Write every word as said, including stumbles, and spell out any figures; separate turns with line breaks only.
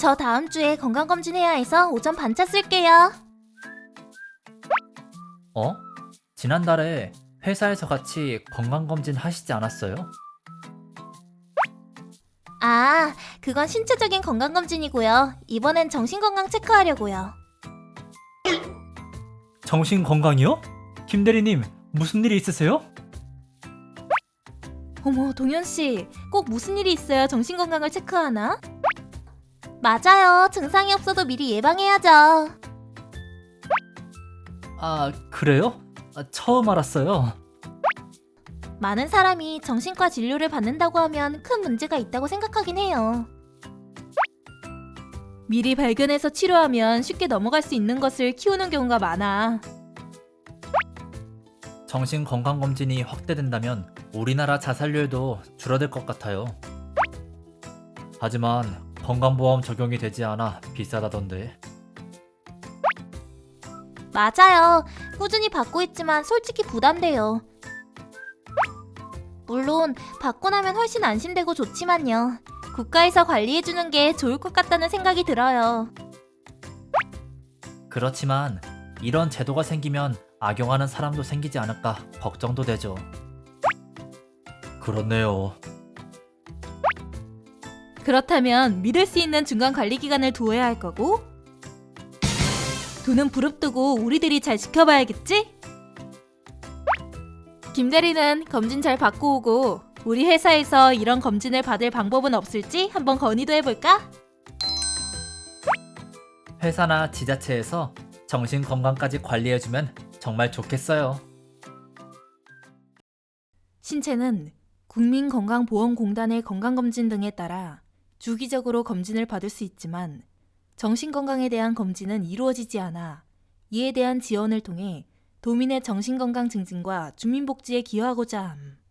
저 다음 주에 건강검진 해야 해서 오전 반차 쓸게요.
어? 지난달에 회사에서 같이 건강검진 하시지 않았어요?
아, 그건 신체적인 건강검진이고요. 이번엔 정신건강 체크하려고요.
정신건강이요? 김대리님, 무슨 일이 있으세요?
어머, 동현씨, 꼭 무슨 일이 있어야 정신건강을 체크하나? 맞아요. 증상이 없어도 미리 예방해야죠.
아, 그래요? 아, 처음 알았어요.
많은 사람이 정신과 진료를 받는다고 하면 큰 문제가 있다고 생각하긴 해요. 미리 발견해서 치료하면 쉽게 넘어갈 수 있는 것을 키우는 경우가 많아.
정신건강검진이 확대된다면 우리나라 자살률도 줄어들 것 같아요. 하지만 건강보험 적용이 되지 않아 비싸다던데.
맞아요. 꾸준히 받고 있지만 솔직히 부담돼요. 물론 받고 나면 훨씬 안심되고 좋지만요. 국가에서 관리해주는 게 좋을 것 같다는 생각이 들어요.
그렇지만 이런 제도가 생기면 악용하는 사람도 생기지 않을까 걱정도 되죠. 그렇네요.
그렇다면 믿을 수 있는 중간관리기관을 두어야 할 거고, 돈은 부릅뜨고 우리들이 잘 지켜봐야겠지? 김대리는 검진 잘 받고 오고 우리 회사에서 이런 검진을 받을 방법은 없을지 한번 건의도 해볼까?
회사나 지자체에서 정신건강까지 관리해주면 정말 좋겠어요.
신체는 국민건강보험공단의 건강검진 등에 따라 주기적으로 검진을 받을 수 있지만 정신건강에 대한 검진은 이루어지지 않아 이에 대한 지원을 통해 도민의 정신건강 증진과 주민복지에 기여하고자 함.